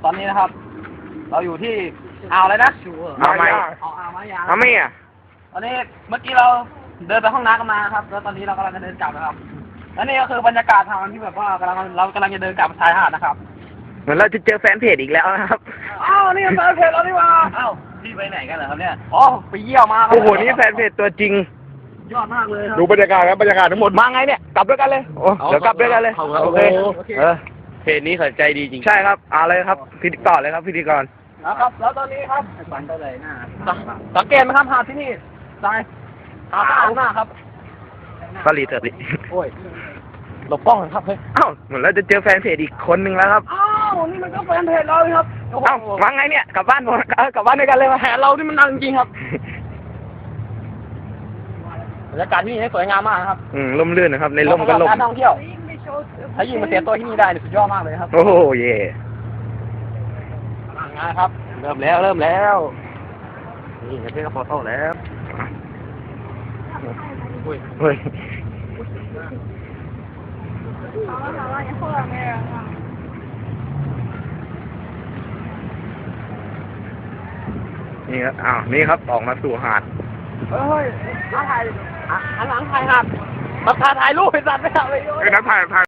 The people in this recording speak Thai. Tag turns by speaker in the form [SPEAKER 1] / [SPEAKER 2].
[SPEAKER 1] ตอนนี้นะครับ เราอยู่ที่อ่าวอะไรนะ
[SPEAKER 2] เอาไหม
[SPEAKER 1] อ่าวมายา
[SPEAKER 2] เอาไหมอ่ะ
[SPEAKER 1] ตอนนี้เมื่อกี้เราเดินไปห้องน้ำกันมาครับ แล้วตอนนี้เรากำลังจะเดินกลับนะครับ และนี่ก็คือบรรยากาศทางที่แบบว่าเรากำลังจะเดินกลับชายหาดนะครับ
[SPEAKER 2] เหมือนเราจะเจอแฟนเพจอีกแล้วนะครับ
[SPEAKER 1] อ้าวนี่แฟนเพจเราดีกว่าอ้าวพี่ไปไหนกันเหรอครับเนี่ยอ๋อไปเยี่ยวมาครับ
[SPEAKER 2] โอ้โหนี่แฟนเพจตัวจริง
[SPEAKER 1] ยอดมากเลยครับ
[SPEAKER 3] ดูบรรยากาศครับบรรยากาศทั้งหมด
[SPEAKER 2] มาไงเนี่ยกลับด้วยกันเลยโอ้เดี๋ยวกลับด้วยกันเลย โอเคเพจนี้เขาใจดีจริงใช่ครับเอาเลยครับพิธีกรเลยครับพิธีกร
[SPEAKER 1] นะครับแล้วตอนนี้ครับฝันไปเลยหน้าสังเกตไหมครับหาดที่นี่ทรายหาดสะอาดมากครับ
[SPEAKER 2] สลีเถอะดิ
[SPEAKER 1] โอ้ยหลบกล้องครับเฮ้ย
[SPEAKER 2] เอ้าเหมือนเราจะเจอแฟนเพจอีกคนนึงแล้วครับ
[SPEAKER 1] อ้าวนี่มันก็แฟนเพจเราเลยครับโอ้โห
[SPEAKER 2] เอ้ามาไงเนี่ยกลับบ้านหมดกลับบ้านด้วยกันเลย
[SPEAKER 1] แผนเรานี่มันดังจริงครับบรรยากาศที่นี่สวยงามมากนะครับ
[SPEAKER 2] ร่มรื่นนะครับ ในร่มก็ร่ม
[SPEAKER 1] การท่องเที่ยวถ้ายิ่งมาเสียตัวที่นี่ได้สุดยอดมากเลยครับ
[SPEAKER 2] โอ้โหเย่
[SPEAKER 1] งานครับเริ่มแล้วนี่เพื่อนก็โฟโต้แล้ว
[SPEAKER 2] เฮ้ยนี่ครับอ้าวนี่ครับออกมาสู่หาด
[SPEAKER 1] เฮ้ยมาถ่ายหันหลังถ่ายหัดมาถ่ายรูปเป็นสัตว์ไม่ถ่ายเลย
[SPEAKER 3] นักถ่าย